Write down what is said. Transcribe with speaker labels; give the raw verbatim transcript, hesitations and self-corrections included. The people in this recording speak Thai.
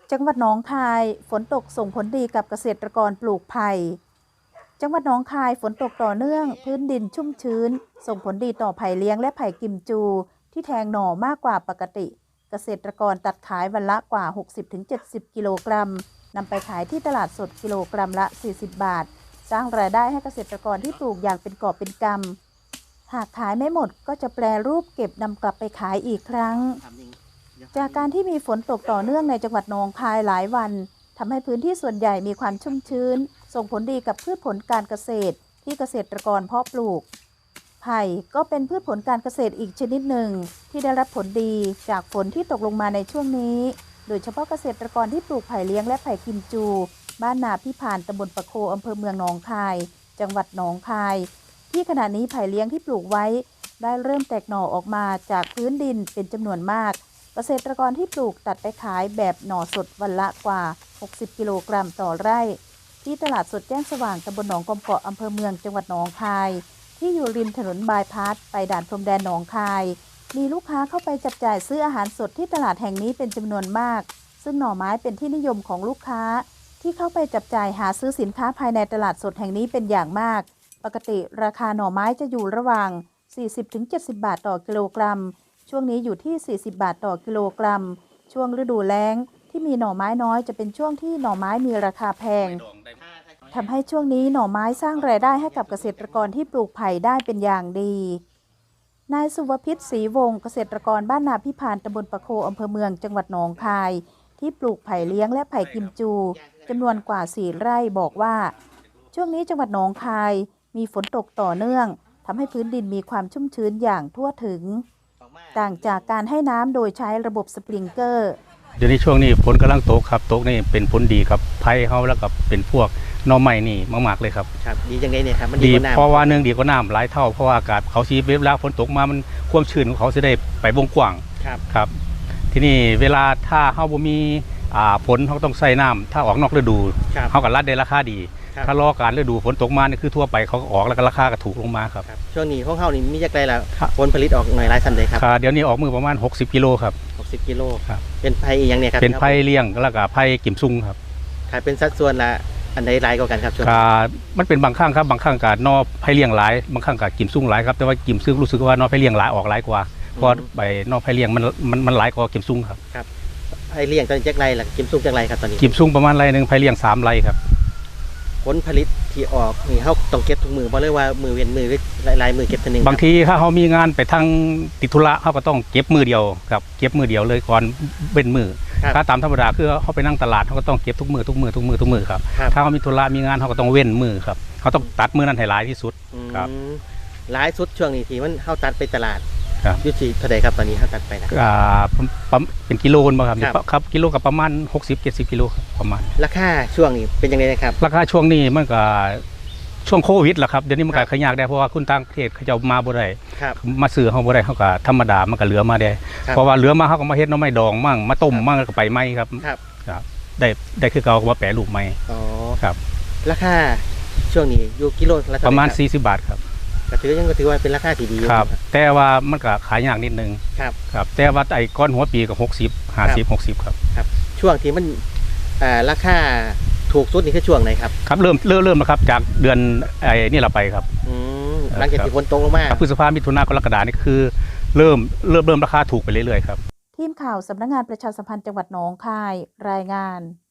Speaker 1: จังหวัดหนองคายฝนตกส่งผลดีกับเกษตรกรปลูกไผ่จังหวัดหนองคายฝนตกต่อเนื่องพื้นดินชุ่มชื้นส่งผลดีต่อไผ่เลี้ยงและไผ่กิมจูที่แทงหน่อมากกว่าปกติเกษตรกรตัดขายวันละกว่า หกสิบถึงเจ็ดสิบ กิโลกรัมนำไปขายที่ตลาดสดกิโลกรัมละ สี่สิบบาทสร้างรายได้ให้เกษตรกรที่ปลูกอย่างเป็นกอบเป็นกำหากขายไม่หมดก็จะแปรรูปเก็บนำกลับไปขายอีกครั้งจากการที่มีฝนตกต่อเนื่องในจังหวัดหนองคายหลายวันทำให้พื้นที่ส่วนใหญ่มีความชุ่มชื้นส่งผลดีกับพืชผลการเกษตรที่เกษตรกรเพาะปลูกไผ่ก็เป็นพืชผลการเกษตรอีกชนิดหนึ่งที่ได้รับผลดีจากฝนที่ตกลงมาในช่วงนี้โดยเฉพาะเกษตรกรที่ปลูกไผ่เลี้ยงและไผ่กิมจูบ้านนาพิพานตำบลปะโคอำเภอเมืองหนองคายจังหวัดหนองคายที่ขณะนี้ไผ่เลี้ยงที่ปลูกไว้ได้เริ่มแตกหน่อออกมาจากพื้นดินเป็นจำนวนมากเกษตรกรที่ปลูกตัดไปขายแบบหน่อสดวันละกว่า หกสิบ กิโลกรัมต่อไร่ที่ตลาดสดแจ้งสว่างตำบลหนองกอมเกาะอำเภอเมืองจังหวัดหนองคายที่อยู่ริมถนนบายพาสไปด่านพรมแดนหนองคายมีลูกค้าเข้าไปจับจ่ายซื้ออาหารสดที่ตลาดแห่งนี้เป็นจำนวนมากซึ่งหน่อไม้เป็นที่นิยมของลูกค้าที่เข้าไปจับจ่ายหาซื้อสินค้าภายในตลาดสดแห่งนี้เป็นอย่างมากปกติราคาหน่อไม้จะอยู่ระหว่าง สี่สิบถึงเจ็ดสิบ บาทต่อกิโลกรัมช่วงนี้อยู่ที่ สี่สิบ บาทต่อกิโลกรัมช่วงฤดูแล้งที่มีหน่อไม้น้อยจะเป็นช่วงที่หน่อไม้มีราคาแพงทำให้ช่วงนี้หน่อไม้สร้างรายได้ให้กับเกษตรกรที่ปลูกไผ่ได้เป็นอย่างดีนายสุวพิษศรีวงศ์เกษตรกรบ้านนาพิพานตำบลปะโคอำเภอเมืองจังหวัดหนองคายที่ปลูกไผ่เลี้ยงและไผ่กิมจูจำนวนกว่าสี่ไร่บอกว่าช่วงนี้จังหวัดหนองคายมีฝนตกต่อเนื่องทำให้พื้นดินมีความชุ่มชื้นอย่างทั่วถึงต่างจากการให้น้ำโดยใช้ระบบสปริงเกอร์
Speaker 2: เดี๋ยวนี้ช่วงนี้ฝนกำลังตกครับตกนี่เป็นผลดีครับไผ่เขาแล้วก็เป็นพวกหน่อไม้นี่มากๆเลยครับ
Speaker 3: ครับดีจังไงเนี่ยครับมัน
Speaker 2: ดีเพราะว่าเนื่องดีกว่าน้ำหลายเท่าเพราะว่าอากาศเขาชีเวลาฝนตกมามันความชื้นของเขาจะได้ไปวงกว้าง
Speaker 3: ครับ
Speaker 2: ครับทีนี้เวลาถ้าเขาบ่มีฝนเขาต้องใส่น้ำถ้าออกนอกฤดูเขาก็รัดได้ราคาดีถ้ารอการฤดูฝนตกมานี่คือทั่วไปเขาก็ออกแล้วก็ราคาก็ถูกลงมาครับ
Speaker 3: ช่วงนี้ของเขานี่มีจักไรแล้วผลผลิตออกหน่อยหลายสันเลยครับ
Speaker 2: เดี๋ยวนี้ออกมือประมาณหกสิบกิโลครับ
Speaker 3: หกสิบกิโลครับเป็นไผ่อย่างเนี้ยครับ
Speaker 2: เป็นไผ่เลี้ยงแล้วก็ไผ่กิมซุงครับ
Speaker 3: ขายเป็นสัดส่วนละอันใดหลายกว่ากันครับช่วง
Speaker 2: มันเป็นบางครั้งครับบางครั้งกับนอไผ่เลี้ยงหลายบางครั้งกับกิมซุงหลายครับแต่ว่ากิมซุงรู้สึกว่านอไผ่เลี้ยงหลายออกหลายกว่าเพราะใบนอไผ่เลี้ยงมันมันมันหลายกว่ากิมซุงครับ
Speaker 3: ครับไผ่เลี้ยงตอนนี้จักไรล่ะกิมซุงจักไรครับตอนนี้
Speaker 2: กิมซุงประมาณไรหนึ่งไผ่เลี้ยงสามไรครับ
Speaker 3: ผลผลิตที่ออกนี่เขาต้องเก็บทุกมือเพราะเลยว่ามือเวียนมือลายมือเก็บตัวนึง
Speaker 2: บางทีถ้าเขามีงานไปทางติดธุระเขาก็ต้องเก็บมือเดียวครับเก็บมือเดียวเลยก่อนเป็นมือถ้าตามธรรมดาคือเขาไปนั่งตลาดเขาก็ต้องเก็บทุกมือทุกมือทุกมือทุกมือครับถ้าเขามีธุระมีงานเขาก็ต้องเว้นมือครับเขาต้องตัดมือนั้นให้หลายที่สุดครับ
Speaker 3: หลายสุดช่วงนี้ที่มันเขาตัดไปตลาดยุติเท่าไหร่ครับตอนนี้เขาตัดไปนะ
Speaker 2: อ่าเป็นกิโลนบ่ครับครับกิโลกับประมาณหกสิบ เจ็ดสิบกิโลประมาณ
Speaker 3: ราคาช่วงนี้เป็นยังไงนะครับ
Speaker 2: ราคาช่วงนี้มันก็ช่วงโควิดแหละครับเดี๋ยวนี้มันก็ขยากได้เพราะว่าคุณต่างประเทศเขาจะมาบ่ได้มาซื้อเขาบ่ได้เขาก็ธรรมดามันก็เหลือมาได้เพราะว่าเหลือมาเขาก็มาเฮ็ดน้ำไม้ดองมั่งมาต้มมั่งก็ไปไหมครับครับได้ได้คือเขาก็มาแปรรูปไหม
Speaker 3: อ๋อ
Speaker 2: ครับ
Speaker 3: ราคาช่วงนี้อยู่กิโลละ
Speaker 2: ประมาณสี่สิบบาทครับ
Speaker 3: ก็ถือยังก็ถือว่าเป็นราคาที่ดี
Speaker 2: ครับแต่ว่ามันก็ขายยากนิดนึง
Speaker 3: ครับ
Speaker 2: ครับแต่ว่าไอ้ก้อนหัวปีก็หกสิบ ห้าสิบ หกสิบครับ
Speaker 3: ครับช่วงที่มันอ่าราคาถูกสุดนี่คือช่วงไหนครับ
Speaker 2: ครับเริ่มเริ่มเริ่มแล้วครับจากเดือนไอ้นี่เราไปครับ
Speaker 3: อืมหลังจากที่ฝนตกลงมา
Speaker 2: พฤษภาคมมิถุนายนกรกฎาคมนี่คือเริ่มเริ่มเริ่มราคาถูกไปเรื่อยๆครับ
Speaker 1: ทีมข่าวสำนักงานประชาสัมพันธ์จังหวัดหนองคายรายงาน